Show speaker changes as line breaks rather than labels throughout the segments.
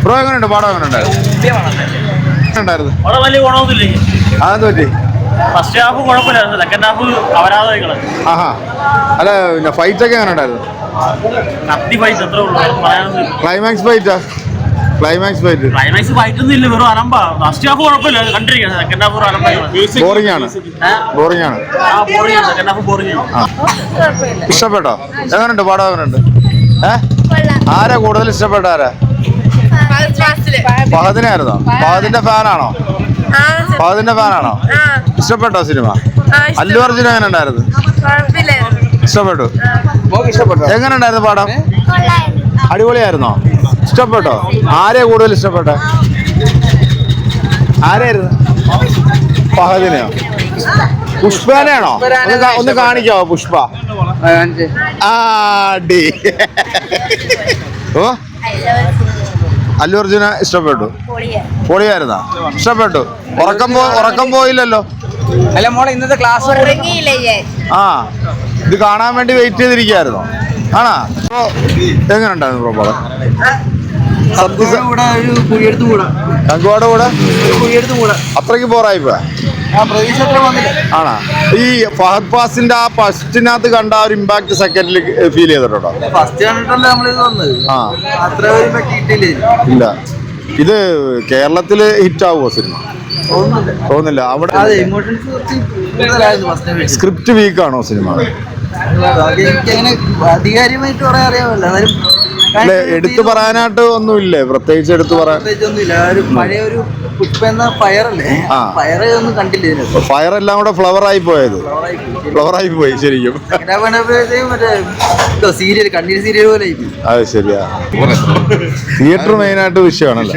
Bro എങ്ങനെയുണ്ട്? പടം എങ്ങനെയുണ്ടായിരുന്നു?
വലിയ ഗുണമൊന്നുമില്ലേ?
അതെന്ത് പറ്റി?
ഫസ്റ്റ് ഹാഫ് കുഴപ്പമില്ലായിരുന്നു, സെക്കൻഡ് ഹാഫ് അപരാധങ്ങള്.
ആഹാ, അല്ല പിന്നെ ഫൈറ്റ് ഒക്കെ എങ്ങനെ ഉണ്ടായിരുന്നു?
കത്തി ഫൈറ്റ് എത്ര ഉള്ളൂ, പറയാനൊന്നും.
ക്ലൈമാക്സ് ഫൈറ്റ്
ക്ലൈമാക്സ് ഫൈറ്റ് ഒന്നും ഇല്ല, വെറും അലമ്പാ. ഫസ്റ്റ് ഹാഫ് കുഴപ്പമില്ല, കണ്ടിരിക്കണം. സെക്കൻഡ് ഹാഫ് ഒരു അലമ്പാണ്,
ബോറിംഗ് ആണ്.
ബോറിംഗ് ആണ്. സെക്കൻഡ് ഹാഫ് ബോറിംഗ് ആണ്.
ഇഷ്ടപ്പെട്ടോ? എങ്ങനെയുണ്ട് പടം? എങ്ങനെയുണ്ട്? ആരാ കൂടുതൽ ഇഷ്ടപ്പെട്ട? ആരാ? ഫഹദിനായിരുന്നോ? ഫഹദിന്റെ ഫാനാണോ? ഇഷ്ടപ്പെട്ടോ സിനിമ? അല്ലു അർജുൻ എങ്ങനെ ഉണ്ടായിരുന്നു? ഇഷ്ടപ്പെട്ടു. എങ്ങനെ ഉണ്ടായിരുന്നു പടം? അടിപൊളിയായിരുന്നോ? ഇഷ്ടപ്പെട്ടോ? ആരെയാ കൂടുതൽ ഇഷ്ടപ്പെട്ട? ആരായിരുന്നു? ഫഹദിനെയോ? പുഷ്പനെയാണോ? ഒന്ന് കാണിക്കാവോ പുഷ്പ? ഓ, അല്ലു അർജുന ഇഷ്ടപ്പെട്ടു. പൊളിയായിരുന്നാ? ഇഷ്ടപ്പെട്ടു. ഉറക്കം പോയില്ലല്ലോ?
അല്ല മോളെ, ഇന്നത്തെ ക്ലാസ്
ആ, ഇത് കാണാൻ വേണ്ടി വെയിറ്റ് ചെയ്തിരിക്കുകയായിരുന്നോ? ആണാ? എങ്ങനെ ഉണ്ടായിരുന്നു ബ്രോ പടം? കങ്കുവാട് കൂടെ അത്രയ്ക്ക് ബോറായിപ്പോ? ആണാ? ഈ ഫഹദ് ഫാസിന്റെ ആ ഫസ്റ്റിനകത്ത് കണ്ട ആ ഒരു ഇമ്പാക്ട് സെക്കൻഡിൽ ഫീൽ ചെയ്തിട്ടുണ്ടോ? ഇല്ല. ഇത് കേരളത്തില് ഹിറ്റ് ആവുമോ സിനിമ? തോന്നുന്നില്ല. അവിടെ സ്ക്രിപ്റ്റ് വീക്കാണോ സിനിമ?
അധികാരികമായിട്ട് പറയാൻ അറിയാമല്ലോ,
അല്ലെ എടുത്തു പറയാനായിട്ട് ഒന്നുമില്ലേ? പ്രത്യേകിച്ച് എടുത്തു പറയാൻ
പഴയ ഒരു പുഷ്പ എന്ന ഫയറല്ലേ, ഫയറ് ഒന്നും കണ്ടില്ല.
ഫയർ എല്ലാം കൂടെ ഫ്ലവർ ആയി പോയി ശരിക്കും.
മറ്റേ സീരിയൽ, കണ്ണീർ സീരിയൽ പോലെ.
അത് ശരിയാ. തിയേറ്റർ മെയിനായിട്ട് വിഷയമാണല്ലോ.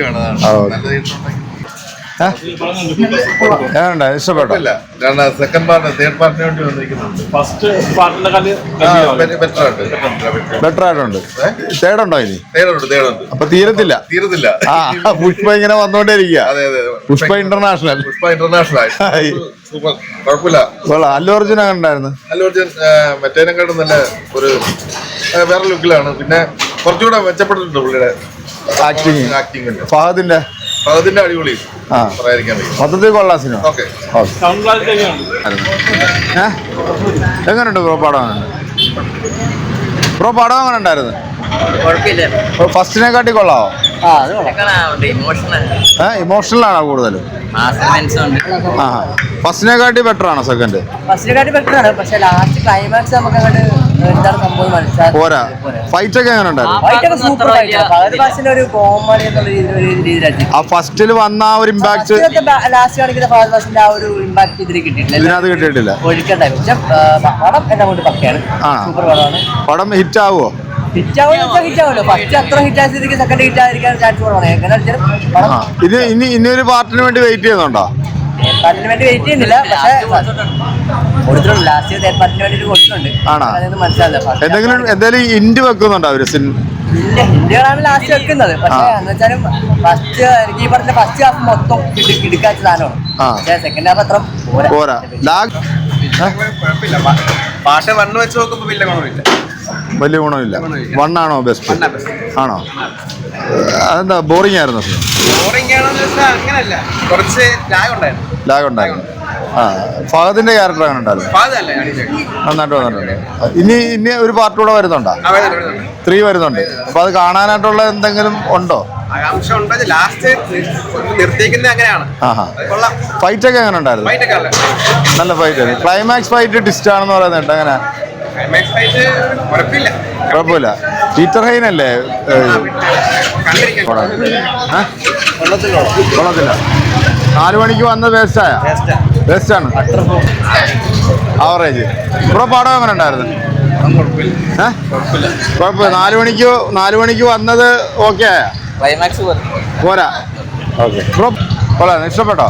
ഇഷ്ടപ്പെട്ടോ?
സെക്കൻഡ് പാർട്ട് തേർഡ് പാർട്ടിന് വേണ്ടി വന്നിരിക്കുന്നുണ്ട്.
ഫസ്റ്റ് പാർട്ടിന്റെ
ബെറ്റർ ആയിട്ടുണ്ട്. തേർഡുണ്ടോ ഇനി?
തേർഡുണ്ട്.
അപ്പൊ തീരത്തില്ല. ആ, പുഷ്പ ഇങ്ങനെ വന്നോണ്ടിരിക്കുക. പുഷ്പ ഇന്റർനാഷണൽ.
സൂപ്പർ, കുഴപ്പമില്ല.
അല്ലു അർജുൻ അങ്ങനെ ഉണ്ടായിരുന്നു?
അല്ലു അർജുൻ മറ്റേനെക്കാട്ടും നല്ല ഒരു വേറെ ലുക്കിലാണ്. പിന്നെ കുറച്ചുകൂടെ മെച്ചപ്പെട്ടിട്ടുണ്ട് പുള്ളിയുടെ ആക്ടിങ്. ഫഹദിന്റെ അടിപൊളി,
മൊത്തത്തിൽ കൊള്ളാം സിനിമ. എങ്ങനെയുണ്ട് ബ്രോ പടം? എങ്ങനെ ഉണ്ടായിരുന്നു? ഫസ്റ്റിനെക്കാട്ടി കൊള്ളാവോ? ഇമോഷണൽ ആണോ കൂടുതലും? ഫസ്റ്റിനെക്കാട്ടി ബെറ്റർ ആണോ സെക്കൻഡ്?
ഫസ്റ്റിനെക്കാട്ടി ബെറ്റർ ആണ്, പക്ഷെ ലാസ്റ്റ് ക്ലൈമാക്സ് നമുക്ക് അങ്ങോട്ട് എന്താണ് സംഭവം മനസ്സിലായി
പോരാ. ഫൈറ്റ് ഒക്കെ എങ്ങനെ ഉണ്ടായിരുന്നു? ആ ഫസ്റ്റിൽ വന്ന ആ ഒരു ഇമ്പാക്ട്
ലാസ്റ്റ് കാണിക്കുന്ന ഫഹദ് ഫാസിലിന്റെ ആ ഒരു ഇമ്പാക്ട് ഇതിൽ
ഇതിനകത്ത് കിട്ടിയിട്ടില്ല.
പടം എന്നെ കൊണ്ട് പക്കയാണ്, സൂപ്പർ പടമാണ്.
പടം ഹിറ്റ് ആവുമോ?
ഹിറ്റാവുമല്ലോ. ഫസ്റ്റ് അത്ര ഹിറ്റായ സ്ഥിതിക്ക് സെക്കൻഡ് ഹിറ്റ് ആയിരിക്കാൻ ചാൻസ് കുറവാണ്.
ഇത് ഇനി ഒരു പാർട്ടിന് വേണ്ടി വെയിറ്റ് ചെയ്യുന്നുണ്ടോ?
പാർട്ടിന് വേണ്ടി വെയിറ്റ് ചെയ്യുന്നില്ല, പക്ഷേ കൊടുത്തിട്ടുണ്ട്. ലാസ്റ്റ് പാർട്ടിന് വേണ്ടി കൊടുത്തിട്ടുണ്ട്.
എന്തെങ്കിലും ഇൻഡ് വെക്കുന്നുണ്ടോ അവര്?
ഇന്ത്യകളാണ് ലാസ്റ്റ് വെക്കുന്നത്. പക്ഷേ എന്ന് വെച്ചാലും ഫസ്റ്റ് എനിക്ക് ഈ പറഞ്ഞ ഫസ്റ്റ് ഹാഫ് മൊത്തം കിടക്കാച്ച സാധനമാണ്. പക്ഷേ സെക്കൻഡ് ഹാഫ് അത്ര
പോരാ.
പാട്ട് വണ്ണ് വെച്ച് നോക്കുമ്പോൾ
വലിയ ഗുണമില്ല. വണ്ണാണോ ബെസ്റ്റ്? ആണോ? അതെന്താ ബോറിംഗ് ആയിരുന്നു? ലാഗ് ഉണ്ടായിരുന്നു. ഫഹദിന്റെ ക്യാരക്ടർ അങ്ങനെ ഉണ്ടായിരുന്നു, നന്നായിട്ട് വന്നിട്ടുണ്ട്. ഇനി ഒരു പാർട്ട് കൂടെ വരുന്നുണ്ടോ? 3 വരുന്നുണ്ട്. അപ്പൊ അത് കാണാനായിട്ടുള്ള എന്തെങ്കിലും ഉണ്ടോ? ഫൈറ്റ് ഒക്കെ എങ്ങനെ ഉണ്ടായിരുന്നു? നല്ല ഫൈറ്റ് ആയിരുന്നു. ക്ലൈമാക്സ് ഫൈറ്റ് ട്വിസ്റ്റ് ആണെന്ന് പറയുന്നുണ്ട്. അങ്ങനെ കുഴപ്പമില്ല. പീറ്റർ ഹൈൻ അല്ലേ? കൊള്ളത്തില്ല. 4 മണിക്ക് വന്നത് വേസ്റ്റാണ്. ആവറേജ്. ബ്രോ പടം എങ്ങനെ ഉണ്ടായിരുന്നു? കുഴപ്പമില്ല. 4 മണിക്ക് വന്നത് ഓക്കെ ആയ? പോരാ. ഓക്കെ ബ്രോ, കൊള്ളാം. ഇഷ്ടപ്പെട്ടോ?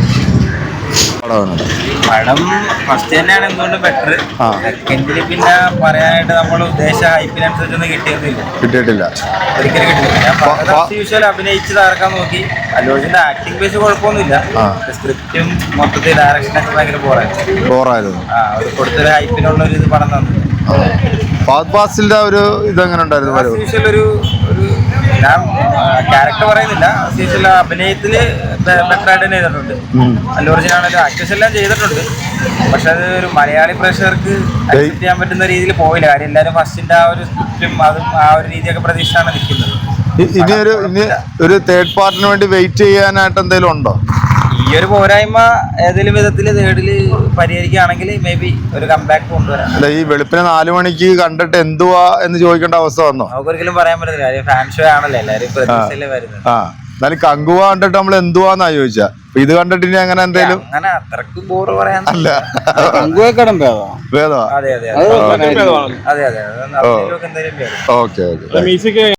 പടം ഫസ്റ്റ് തന്നെയാണ് എന്തുകൊണ്ട് ബെറ്റർ. സെക്കൻഡില് പിന്നെ പറയാനായിട്ട് നമ്മൾ ഉദ്ദേശിച്ച ഹൈപ്പിനനുസരിച്ചൊന്നും കിട്ടിയിട്ടില്ല. ഒരിക്കലും കിട്ടില്ല. അഭിനയിച്ച് തകർക്കാൻ നോക്കി. അല്ലു അർജുന്റെ ആക്ടിംഗ് ബേസ് കുഴപ്പമൊന്നുമില്ല. സ്ക്രിപ്റ്റും മൊത്തത്തിൽ ഡയറക്ഷനൊക്കെ ഭയങ്കര ബോറായിരുന്നു. കൊടുത്തൊരു ഹൈപ്പിനുള്ള ഒരു ഇത് പടം തന്നു.
ഫഹദ് ഫാസിലിന്റെ ഒരു ഇതെങ്ങനെ ഉണ്ടായിരുന്നു?
ഒരു ഞാൻ ക്യാരക്ടർ പറയുന്നില്ല, അത്യാവശ്യം അഭിനയത്തില് ബെറ്റർ ആയിട്ട് തന്നെ ചെയ്തിട്ടുണ്ട്. അല്ലു അർജുൻ ആണെങ്കിലും ആക്ടേഴ്സ് എല്ലാം ചെയ്തിട്ടുണ്ട്. പക്ഷെ അത് ഒരു മലയാളി പ്രേക്ഷകർക്ക് അക്സെപ്റ്റ് ചെയ്യാൻ പറ്റുന്ന രീതിയിൽ പോയില്ല. കാര്യം എല്ലാവരും ഫസ്റ്റിന്റെ ആ ഒരു സ്ക്രിപ്റ്റും അതും ആ ഒരു രീതിയൊക്കെ പ്രതീക്ഷയാണ് നിൽക്കുന്നത്.
ഇനി ഒരു തേർഡ് പാർട്ടിന് വേണ്ടി വെയിറ്റ് ചെയ്യാനായിട്ട് എന്തെങ്കിലും ഉണ്ടോ?
ഈ ഒരു പോരായ്മ ഏതെങ്കിലും വിധത്തിൽ തേർഡില് പരിഹരിക്കുകയാണെങ്കിൽ മേ ബി ഒരു കംബാക്ക് കൊണ്ടുവരാം.
അല്ല, ഈ വെളുപ്പിനെ 4 മണിക്ക് കണ്ടിട്ട് എന്തുവാ എന്ന് ചോദിക്കേണ്ട അവസ്ഥ വന്നോ?
നമുക്കൊരിക്കലും പറയാൻ പറ്റില്ല. കാര്യം ഫാൻ ഷോ ആണല്ലോ, എല്ലാവരും പ്രതീക്ഷയിലേ വരുന്നത്.
എന്നാലും കങ്കുവ കണ്ടിട്ട് നമ്മൾ എന്തുവാന്നാ ചോദിച്ചാ. ഇത് കണ്ടിട്ട് ഇനി അങ്ങനെ എന്തെങ്കിലും
അങ്ങനെ അത്രക്ക് ബോറ് പറയാൻ
അല്ല.
അതെ അതെ അതെ അതെ അതെ എന്തായാലും
ഓക്കെ ഓക്കെ.